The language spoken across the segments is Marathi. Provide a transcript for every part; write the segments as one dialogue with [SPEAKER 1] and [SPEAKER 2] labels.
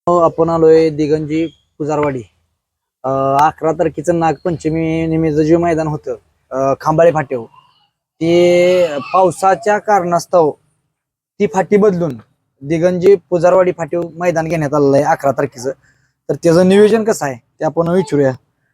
[SPEAKER 1] आपण आलोय दिगंजी पुजारवाडी. 11 तारखेचं नागपंचमी निमित्त जे मैदान होतं खांबाळे फाट्यावर, ते पावसाच्या कारणास्तव ती फाटी बदलून दिगंजी पुजारवाडी फाट्यावर मैदान घेण्यात आलेलं आहे 11 तारखेचं. तर त्याचं नियोजन कसं आहे ते आपण विचारूया.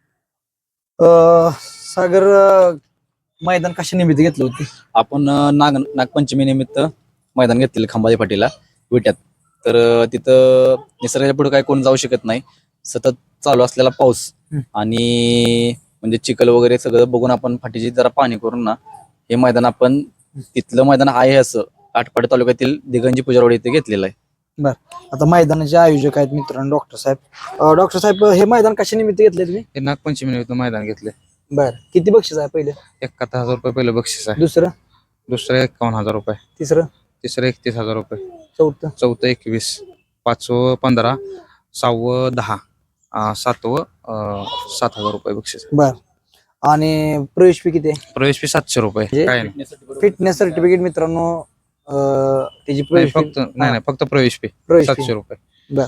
[SPEAKER 1] सागर, मैदान कशा निमित्त घेतलं होती?
[SPEAKER 2] आपण नागपंचमी निमित्त मैदान घेतलेलं खांबाळे फाटीला विट्यात. तर तिथं निसर्गाच्या पुढे काय कोण जाऊ शकत नाही. सतत चालू असलेला पाऊस आणि म्हणजे चिखल वगैरे सगळं बघून आपण फाटीची जरा पाणी करून ना हे मैदान आपण तिथलं मैदान आहे असं आटपाडी तालुक्यातील दिगंजी पुजारवाडी इथे घेतलेलं आहे.
[SPEAKER 1] बर, आता मैदानाचे आयोजक आहेत मित्रांनो डॉक्टर साहेब. डॉक्टर साहेब, हे मैदान कशा निमित्त घेतले तुम्ही?
[SPEAKER 3] हे नागपंचमी निमित्त मैदान घेतले.
[SPEAKER 1] बर, किती बक्षीस आहे? पहिले
[SPEAKER 3] 71,000 रुपये पहिलं बक्षीस आहे.
[SPEAKER 1] दुसरं?
[SPEAKER 3] दुसरं 51,000 रुपये.
[SPEAKER 1] तिसरं?
[SPEAKER 3] तिसरं 31,000 रुपये.
[SPEAKER 1] चौथं?
[SPEAKER 3] चौथं 21. पाचवं 15. सहावं 10. सातवं 7,000 रुपये बक्षीस आहे.
[SPEAKER 1] बर, आणि प्रवेश फी किती आहे?
[SPEAKER 3] प्रवेश फी 700 रुपये.
[SPEAKER 1] म्हणजे
[SPEAKER 3] काय नाही.
[SPEAKER 1] फिटनेस सर्टिफिकेट मित्रांनो, त्याची
[SPEAKER 3] नाही,
[SPEAKER 1] प्रवेश
[SPEAKER 3] फक्त नाही फक्त प्रवेश फी
[SPEAKER 1] प्रवेश fee.
[SPEAKER 3] 700 रुपये.
[SPEAKER 1] बर,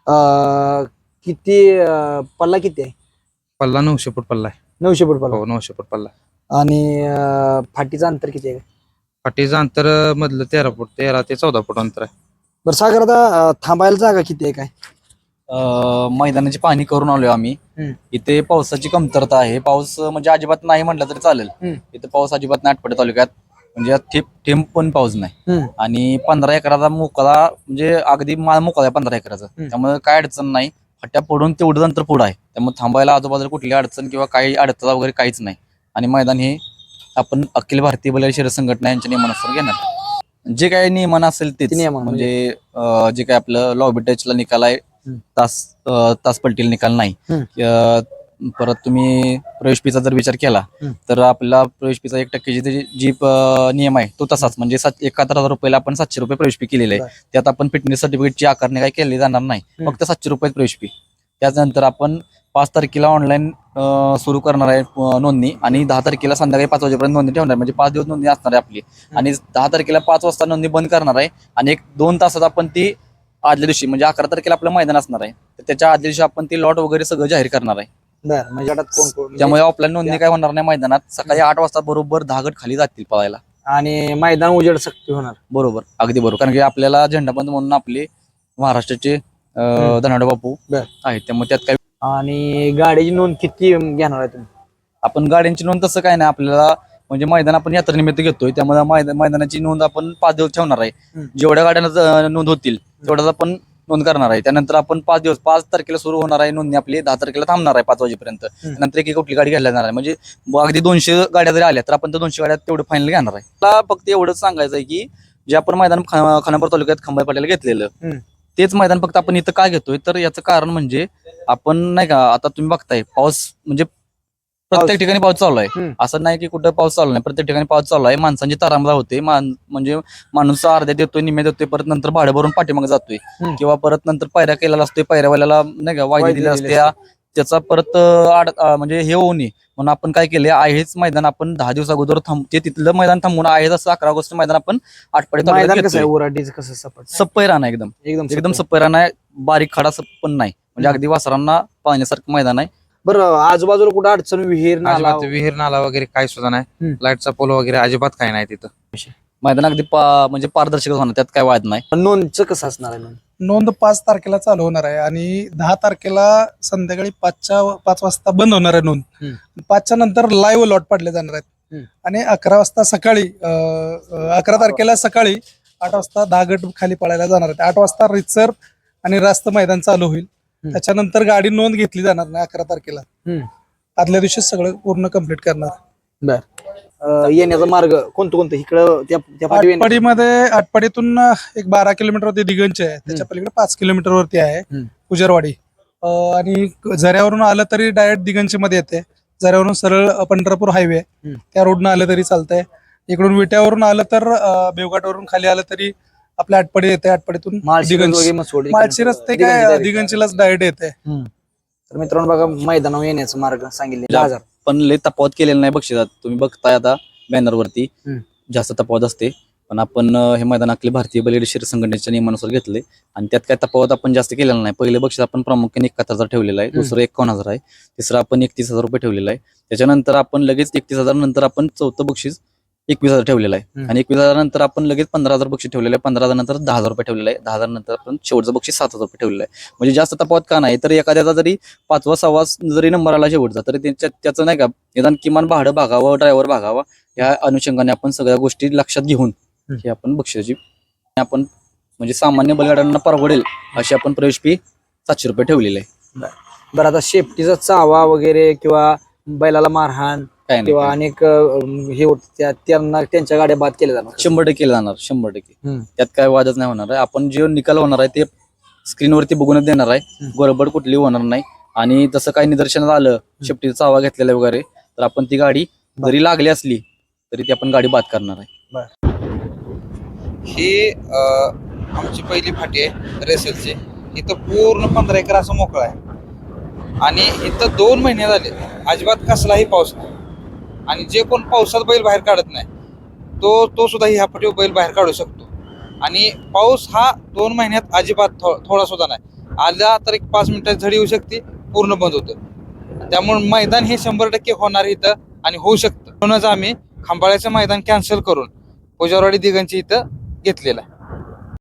[SPEAKER 1] किती पल्ला किती आहे?
[SPEAKER 3] पल्ला 900 फूट पल्ला आहे.
[SPEAKER 1] 900 फूट पल्ला.
[SPEAKER 3] हो, 900 फूट पल्ला.
[SPEAKER 1] आणि फाटीचं अंतर किती आहे?
[SPEAKER 3] फाटीचं अंतर मधलं 13 फूट, 13 ते 14 फूट अंतर आहे.
[SPEAKER 1] बरं सागर, आता थांबायला जागा किती आहे काय?
[SPEAKER 2] मैदानाची पाहणी करून आलोय आम्ही. इथे पावसाची कमतरता आहे. पाऊस म्हणजे अजिबात नाही म्हटलं तरी चालेल. इथे पाऊस अजिबात नाही आटपाडी तालुक्यात, म्हणजे थेंब पण पाऊस नाही. आणि 15 एकराचा मोकळा, म्हणजे अगदी माळ मोकळा आहे 15 एकराचा. त्यामुळे काय अडचण नाही. फाट्या पडून तेवढं नंतर पुढं आहे, त्यामुळे थांबायला आजूबाजूला कुठली अडचण किंवा काही अडथळा वगैरे काहीच नाही. आणि मैदान हे आपण अखिल भारतीय बैलगाडी शर्यत संघटना यांच्या नियमानुसार घेणार. जे काही नियमन असेल तेच, म्हणजे जे काही आपलं लॉबी टचला निकाल आहे, तास पलटीला निकाल नाही. परत तुम्ही प्रवेश फीचा जर विचार केला तर आपला प्रवेश फीचा 1% जी नियम आहे तो तसाच, म्हणजे 71,000 रुपयाला आपण 700 रुपये प्रवेश फी केलेली आहे. त्यात आपण फिटनेस सर्टिफिकेटची आकारणी काही केली जाणार नाही, फक्त 700 रुपये प्रवेश फी. त्याच्यानंतर आपण 5 तारखेला ऑनलाईन सुरू करणार आहे नोंदणी, आणि 10 तारखेला संध्याकाळी 5 वाजेपर्यंत नोंदणी ठेवणार, म्हणजे 5 दिवस नोंदणी असणार आहे आपली. आणि 10 तारखेला 5 वाजता नोंदणी बंद करणार आहे, आणि 1-2 तासात आपण ती आदल्या दिवशी, म्हणजे 11 तारखेला आपलं मैदान असणार आहे, तर त्याच्या आदल्या दिवशी आपण ती लॉट वगैरे सगळं जाहीर करणार आहे.
[SPEAKER 1] बर, म्हणजे कोण
[SPEAKER 2] त्यामुळे ऑफलाईन नोंदणी काय होणार नाही. मैदानात सकाळी 8 वाजता बरोबर 10 गट खाली जातील पळायला,
[SPEAKER 1] आणि मैदान उजेड सक्ती होणार.
[SPEAKER 2] बरोबर, अगदी बरोबर. कारण की आपल्याला झेंडाबंद म्हणून आपले महाराष्ट्राचे धनावडे बापू आहेत, त्यामुळे त्यात काय.
[SPEAKER 1] आणि गाडीची नोंद किती घेणार आहे तुम्ही?
[SPEAKER 2] आपण गाड्यांची नोंद तसं काय नाही, आपल्याला म्हणजे मैदान आपण यात्रेनिमित्त घेतोय, त्यामुळे मैदानाची नोंद आपण 5 दिवस ठेवणार आहे. जेवढ्या गाड्यांना नोंद होतील तेवढ्याच आपण नोंद करणार आहे. त्यानंतर आपण 5 दिवस, 5 तारखेला सुरू होणार आहे नोंदणी आपली, 10 तारखेला थांबणार आहे 5 वाजेपर्यंत. नंतर एक कुठली गाडी घ्यायला जाणार आहे, म्हणजे अगदी 200 गाड्या जरी आल्या तर आपण त्या 200 गाड्यात तेवढं फायनल घेणार आहे. मला फक्त एवढंच सांगायचं आहे की जे आपण मैदान खानापूर तालुक्यात खांबाळे फाट्याला घेतलेलं, तेच मैदान फक्त आपण इथं का घेतोय, तर याचं कारण म्हणजे आपण नाही का, आता तुम्ही बघताय पाऊस, म्हणजे प्रत्येक ठिकाणी पाऊस चालू आहे. असं नाही की कुठं पाऊस चालू नाही, प्रत्येक ठिकाणी पाऊस चालू आहे. माणसांची तारांबळा होते, म्हणजे माणूस अर्ध्या देतोय, निम्या देतोय, परत नंतर भाडं भरून पाठीमागे जातोय, किंवा परत नंतर पायऱ्या केलेला असतोय, पायऱ्यावाल्याला नाही का वायदी दिली असते, त्याचा परत म्हणजे हे होऊ नये म्हणून आपण काय केले, आहेच मैदान आपण 10 दिवस अगोदर ते तिथलं मैदान थांबून आहे असं 11 ऑगस्ट मैदान आपण आटपाडी सप्पय राहणार, एकदम एकदम सप्पय राहणार, बारीक खडा पण नाही, म्हणजे अगदी वासरांना पाहण्यासारखं मैदान आहे.
[SPEAKER 1] बरं, आजूबाजूला कुठं अडचण, विहीर
[SPEAKER 3] नाला वगैरे काय सुद्धा नाही. लाईटचा पोल वगैरे अजिबात काय नाही तिथं.
[SPEAKER 2] मैदान अगदी म्हणजे पारदर्शक होणार, त्यात काय वाद नाही.
[SPEAKER 1] नोंदचं कसं असणार आहे?
[SPEAKER 4] नोंद 5 तारखेला चालू होणार आहे, आणि 10 तारखेला संध्याकाळी 5 वाजता बंद होणार आहे नोंद. 5च्या नंतर लाईव्ह लॉट पाडले जाणार आहेत, आणि 11 वाजता सकाळी 11 तारखेला सकाळी 8 वाजता 10 गट खाली पळायला जाणार आहेत. 8 वाजता रितसर आणि रास्त मैदान चालू होईल. त्याच्यानंतर गाडी नोंद घेतली जाणार नाही 11 तारखेला. आदल्या दिवशी सगळं पूर्ण कम्प्लीट करणार.
[SPEAKER 1] बर, येण्याचा मार्ग कोणतं इकडं?
[SPEAKER 4] आटपाडीतून एक 12 किलोमीटरवरती दिगंज आहे, त्याच्या पलीकडे 5 किलोमीटरवरती आहे पुजारवाडी. आणि झऱ्यावरून आलं तरी डायरेक्ट दिगंज मध्ये येते. झऱ्यावरून सरळ पंढरपूर हायवे त्या रोडनं आलं तरी चालतंय. इकडून विट्यावरून आलं तर बेवघाटवरून खाली आलं तरी आपल्या आटपाडी येते. आटपाडीतून माळशी रस्ते काय दिगंजीलाच डायरेक्ट येते.
[SPEAKER 1] तर मित्रांनो बघा, मैदानावर येण्याचा मार्ग सांगितले,
[SPEAKER 2] पण लय तफावत केलेला नाही बक्षिसात. तुम्ही बघताय आता बॅनरवरती जास्त तफावत असते, पण आपण हे मैदान आपले भारतीय बैलगाडी शर्यत संघटनेच्या नियमानुसार घेतले आणि त्यात काय तफावत आपण जास्त केलेला नाही. पहिले बक्षीस आपण प्रामुख्याने 71,000 ठेवलेलं आहे, दुसरं 51,000 आहे, तिसरं आपण 31,000 रुपये ठेवलेलं आहे. त्याच्यानंतर आपण लगेच 31,000 नंतर आपण चौथं बक्षीस 21,000 ठेवलेलं आहे आणि 21,000 नंतर आपण लगेच 15,000 बक्षीस ठेवलेलं आहे. 15,000 नंतर 10,000 रुपये ठेवलेलं आहे. 10,000 नंतर आपण शेवटचं बक्षीस 7,000 रुपये ठेवलेलं आहे. म्हणजे जास्त तफावत का नाही, तर एखाद्याचा जरी 5वा 6वा जरी नंबर आला शेवटचा तरी त्याचं नाही का निदान किमान भाडं भागावं, ड्रायव्हर भागावा, या अनुषंगाने आपण सगळ्या गोष्टी लक्षात घेऊन ही आपण बक्षिसाची आपण म्हणजे सामान्य बैलगाड्यांना परवडेल अशी आपण प्रवेश फी 700 रुपये ठेवलेली आहे.
[SPEAKER 1] बरं, आता शेपटीचा चावा वगैरे किंवा बैलाला मारहाण
[SPEAKER 2] काय नाही,
[SPEAKER 1] किंवा अनेक हे होत त्यांना त्यांच्या गाड्या बाद केल्या जाणार
[SPEAKER 2] 100% जाणार, 100%.
[SPEAKER 1] हम्म.
[SPEAKER 2] त्यात काय वादच नाही होणार आहे. आपण जे निकाल होणार आहे ते स्क्रीनवरती बघूनच देणार आहे, गडबड कुठली होणार नाही. आणि तसं काही निदर्शनात आलं शेपटीचा चावा घेतलेला वगैरे तर आपण ती गाडी जरी लागली असली तरी ती आपण गाडी बाद करणार आहे.
[SPEAKER 3] ही आमची पहिली फाटी आहे रेसलची. इथं पूर्ण 15 एकर असं मोकळं आहे आणि इथं 2 महिने झाले अजिबात कसलाही पाऊस नाही. आणि जे कोण पावसात बैल बाहेर काढत नाही तो सुद्धा ह्या फाटीवर बैल बाहेर काढू शकतो. आणि पाऊस हा 2 महिन्यात अजिबात थोडा सुद्धा नाही. आला तर एक 5 मिनिटात झडी येऊ शकते, पूर्ण बंद होतं. त्यामुळे मैदान हे 100% होणार इथं आणि होऊ शकतं. म्हणूनच आम्ही खंबाळ्याचं मैदान कॅन्सल करून पुजारवाडी दिगंची इथं घेतलेलं आहे.